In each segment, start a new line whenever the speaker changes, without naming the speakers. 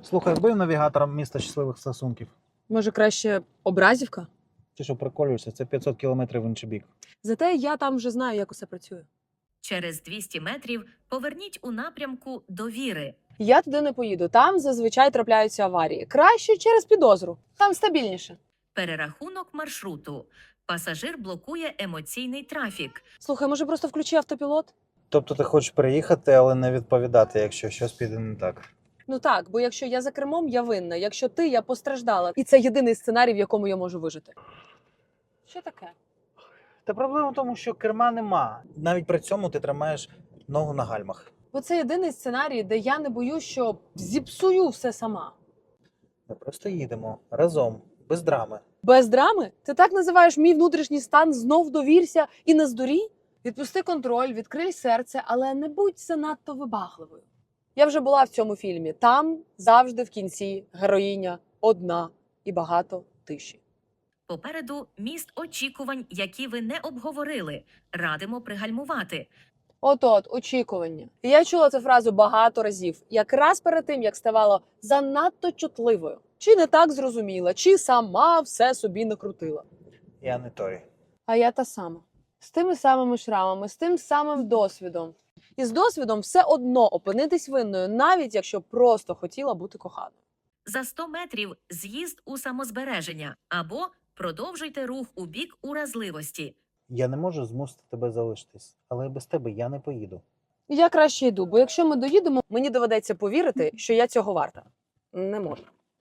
Слухай, вбив навігатором міста щасливих стосунків.
Може, краще Образівка?
Ти що приколюєшся? Це 500 кілометрів в інший бік.
Зате я там вже знаю, як усе працює.
Через 200 метрів поверніть у напрямку Довіри.
Я туди не поїду. Там зазвичай трапляються аварії. Краще через підозру. Там стабільніше.
Перерахунок маршруту. Пасажир блокує емоційний трафік.
Слухай, може просто включи автопілот?
Тобто ти хочеш приїхати, але не відповідати, якщо щось піде не так.
Ну так, бо якщо я за кермом, я винна. Якщо ти, я постраждала. І це єдиний сценарій, в якому я можу вижити. Що таке?
Та проблема в тому, що керма нема. Навіть при цьому ти тримаєш ногу на гальмах.
Бо це єдиний сценарій, де я не боюсь, що зіпсую все сама.
Ми просто їдемо разом, без драми.
Без драми? Ти так називаєш мій внутрішній стан «знов довірся» і не здурій? Відпусти контроль, відкрий серце, але не будь занадто вибагливою. Я вже була в цьому фільмі. Там завжди в кінці героїня одна і багато тиші.
Попереду міст очікувань, які ви не обговорили. Радимо пригальмувати.
От-от, очікування. І я чула цю фразу багато разів, якраз перед тим, як ставала занадто чутливою. Чи не так зрозуміла, чи сама все собі накрутила.
Я не той.
А я та сама. З тими самими шрамами, з тим самим досвідом. І з досвідом все одно опинитись винною, навіть якщо просто хотіла бути коханою.
За 100 метрів з'їзд у самозбереження або продовжуйте рух у бік уразливості.
Я не можу змусити тебе залишитись, але без тебе я не поїду.
Я краще йду, бо якщо ми доїдемо, мені доведеться повірити, що я цього варта. Не можу.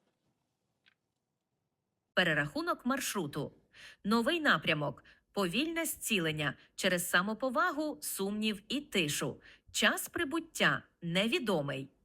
Перерахунок маршруту. Новий напрямок. Повільне зцілення через самоповагу, сумнів і тишу. Час прибуття невідомий.